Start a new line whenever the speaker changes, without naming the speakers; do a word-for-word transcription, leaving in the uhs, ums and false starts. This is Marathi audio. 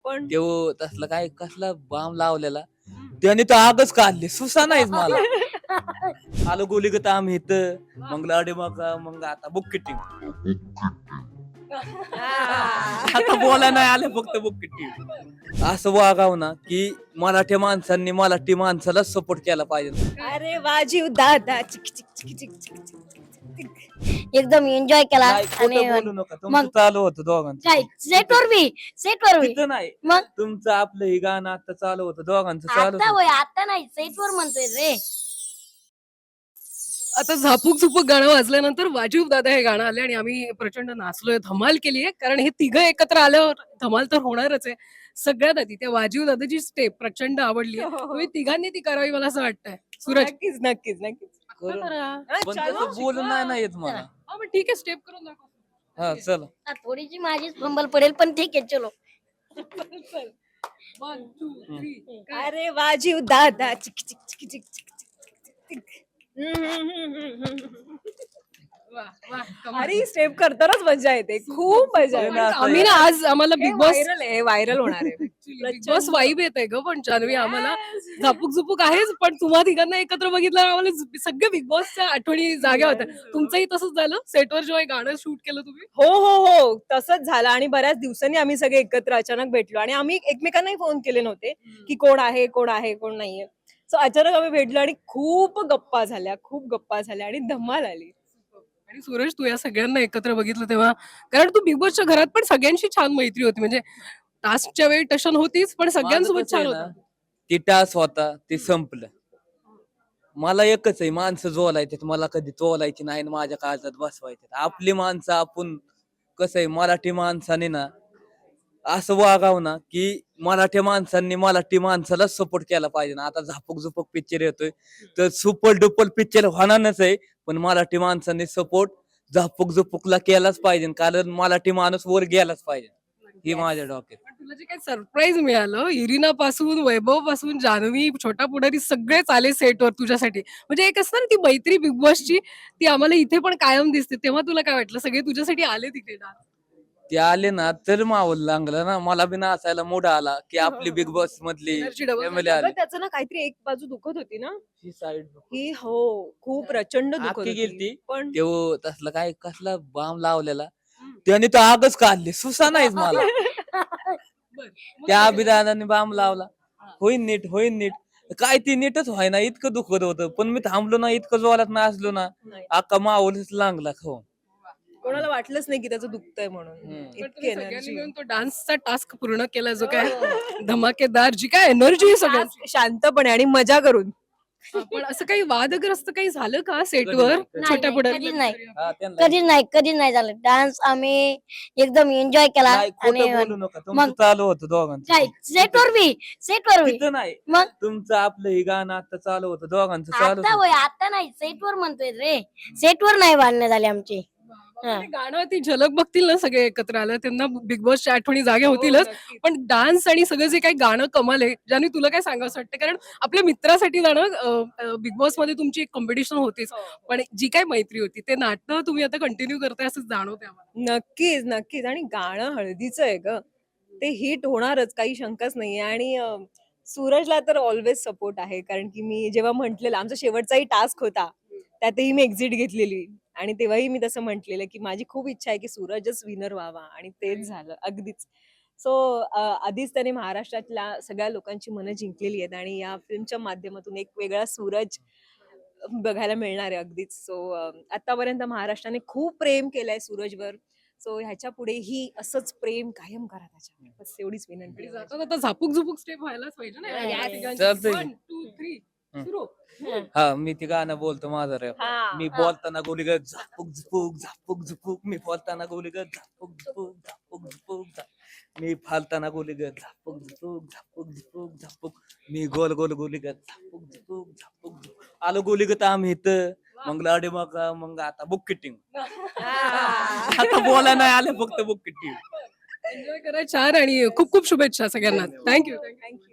पण
तेव्हा तसलं काय कसला बाम लावलेला त्याने तर आगच काढली सुसा नाहीच मला. आलो गोलीगत आम्ही इथं मग लाडे मग मग आता बुक किटिंग आता बोला नाही आले फक्त बुक किटिंग असं वागाव ना की मराठी माणसांनी मराठी माणसाला सपोर्ट केला पाहिजे.
अरे वाजीव दादा चिक चिक चिक चिक चिक चिक चिक.
एकदम एन्जॉय केला
नाही
आणि
खोटं बोलू नका तुमचं
मग
चालू होतं दोघांचं.
काय सेटवर बी सेटवर बी
तिथं नाही
मग
तुमचं आपलं हे गाणं आता चालू होतं दोघांचं चालू
आता
होतं.
होय आता नाही सेटवर म्हणतोय रे.
आता झापूक झुपूक गाणं वाजल्यानंतर वाजीव दादा हे गाणं आले आणि आम्ही प्रचंड नाचलोय, धमाल केली आहे. कारण हे तिघं एकत्र आल्यावर धमाल तर होणारच आहे. सगळ्यात आधी त्या वाजीव दादाची स्टेप प्रचंड आवडली आहे. तुम्ही तिघांनी ती करावी मला असं वाटतंय. सूरज
नक्कीच नक्कीच नक्कीच
करू.
करा.
हा,
पण
चलो.
तसं बोलून नाही ना येत मला.
हा मग ठीक आहे, स्टेप करून दाखव.
हा चला
आ, थोडीशी माझीच फंबल पडेल पण ठीक आहे चलो.
One, two, three.
अरे वाजीव दादा चिक चिक चिक चिक चिक चिक चिक. हम्म, हम्म, हम्म, हम्म, हम्म.
वा, वा, कमाल.
अरे स्टेप करतानाच मजा येते, खूप मजा येते.
पण
आम्ही ना आज आम्हाला बिग बॉस
व्हायरल आहे व्हायरल होणार आहे.
बिग बॉस वाईब येत आहे ग. पण जान्हवी आम्हाला झापूक झुपूक आहेच, पण तुम्हा तिघांना एकत्र बघितलं आम्हाला झ- सगळ्या बिग बॉसच्या आठवणी जाग्या होत्या. तुमचंही तसंच झालं सेटवर जेव्हा हे गाणं शूट केलं तुम्ही?
हो हो हो तसंच झालं आणि बऱ्याच दिवसांनी आम्ही सगळे एकत्र अचानक भेटलो आणि आम्ही एकमेकांनाही फोन केले नव्हते की कोण आहे कोण आहे कोण नाहीये. सो अचानक आम्ही भेटलो आणि खूप गप्पा झाल्या खूप गप्पा झाल्या आणि धमाल आली.
आणि सूरज, तू या सगळ्यांना एकत्र बघितलं तेव्हा, कारण तू बिग बॉसच्या घरात पण सगळ्यांशी छान मैत्री होती. म्हणजे टास्कच्या वेळी टशन होतीच, पण
माझं
सगळ्यांसोबत
कसं आहे
छान
ना,
होता.
ती टास होता ते संपलं. मला एकच आहे माणसं जोलायचे मला कधी तोलायची नाही आणि माझ्या काळजात बसवायचे. आपली माणसं आपण कसं आहे मराठी माणसाने ना असं वागाव ना की मराठी माणसांनी मराठी माणसाला सपोर्ट केला पाहिजे ना. आता झापक झुपक पिक्चर येतोय तर सुपर डुपर पिक्चर होणारच आहे पण मराठी माणसांनी सपोर्ट झापक झुपकला केलाच पाहिजे कारण मराठी माणूस वर गेलाच पाहिजे ही माझ्या डोक्यात.
पण तुला जे काही सरप्राईज मिळालं, इरिना पासून वैभव पासून जान्हवी छोटा पुढारी सगळेच आले सेटवर तुझ्यासाठी. म्हणजे एक असतं ना ती मैत्री बिग बॉसची, ती आम्हाला इथे पण कायम दिसते. तेव्हा तुला काय वाटलं सगळे तुझ्यासाठी आले तिथे ना?
ते आले ना तर माहोल लागला ना मला बी नाचायला मूड आला की आपली बिग बॉस मधली
Energy double
फॅमिली
अगं,
आली.
त्याचं ना काहीतरी एक बाजू दुखत होती ना
ही साईड
की हो खूप प्रचंड दुखत
आखी
होती
गेलती
पण
तेव्हा तसलं काय कसला बाम लावलेला त्याने तर आगच काढली सुसा नाहीच मला.
बरं. मग
त्या
काय
अभिदानाने बाम लावला होईन नीट होईन नीट काय ती नीटच व्हायना इतकं दुखत होतं पण मी थांबलो ना इतकं जोरात नाचलो ना
नाही.
अख्खा माहोलच लागला हो.
कोणाला वाटलंच नाही की त्याचं दुखतंय म्हणून
हम्म.
पण
इतकी
तुम्ही सगळ्यांनी
एनर्जी
मिळून तो डान्सचा टास्क पूर्ण केला, जो काय धमाकेदार, जी काय एनर्जी सगळ्यांची.
शांतपणे आणि मजा करून.
हा, पण असं काही वादग्रस्त काही झालं का सेटवर
नाही,
छोट्या
नाही,
पुढारी?
कधीच नाही.
हा, त्यांना-
कधीच नाही कधीच नाही झालं. डान्स आम्ही एकदम एन्जॉय केला
नाही
आणि
खोटं बोलू नका तुमचं
मग
चालू होतं दोघांचं.
काय सेटवर बी सेटवर बी
तिथं नाही
मग
तुमचं आपलं हे गाणं आता चालू होतं दोघांचं चालू
आता होय आता नाही सेटवर म्हणतोय रे. सेटवर नाही बांधणे झाले आमचे.
पण ते गाणं ती झलक बघतील ना सगळे एकत्र आलं, त्यांना बिग बॉसच्या आठवणी जागे होतीलच. पण डान्स आणि सगळं जे काही गाणं कमाल आहे, ज्याने तुला काय सांगावं वाटतं, कारण आपल्या मित्रासाठी जाणं बिग बॉस मध्ये तुमची एक कॉम्पिटिशन होतीच, पण जी काय मैत्री होती ते नाटक तुम्ही आता कंटिन्यू करताय असं जाणवतंय आम्हाला.
नक्कीच नक्कीच आणि गाणं हळदीचं आहे ग ते हिट होणारच काही शंकाच नाहीये आणि अं, सूरजला तर ऑलवेज सपोर्ट आहे कारण की मी जेव्हा म्हटलेलं आमचा शेवटचाही टास्क होता त्यातही मी एक्झिट घेतलेली आणि तेव्हाही मी तसं म्हटलेलं की माझी खूप इच्छा आहे की सूरजच विनर व्हावा आणि तेच झालं अगदीच. सो आधीच त्याने महाराष्ट्रातल्या सगळ्या लोकांची मनं जिंकलेली आहेत आणि या फिल्मच्या माध्यमातून एक वेगळा सूरज बघायला मिळणार आहे अगदीच. सो आतापर्यंत महाराष्ट्राने खूप प्रेम केलंय सूरजवर. सो ह्याच्या पुढेही असंच प्रेम कायम करा त्याच्यावर बस एवढीच विनंती
आणि
आहे.
जाता जाता झापूक झुपूक स्टेप व्हायलाच पाहिजे ना
Yes.
या तिघांची.
चालतंय.
One, two, three. सुरू.
हा मी ती गाणं बोलतो माझं रे.
हा.
मी बोलताना गोलीगत झापूक झुपूक झापूक झुपूक मी बोलताना गोलीगत झापूक झुपूक झापूक झुपूक झा- मी फालताना गोलीगत झापूक झुपूक झापूक झुपूक झापूक मी गोल गोल गोलीगत झापूक झुपूक झापूक झुपूक आलो गोलीगत आम्ही इथं मग लाडे मग मग आता बुक किटिंग आता बोला नाही आले फक्त बुक किटिंग.
एन्जॉय करा छान आणि खूप खूप शुभेच्छा सगळ्यांना. थँक्यू.
थँक्यू.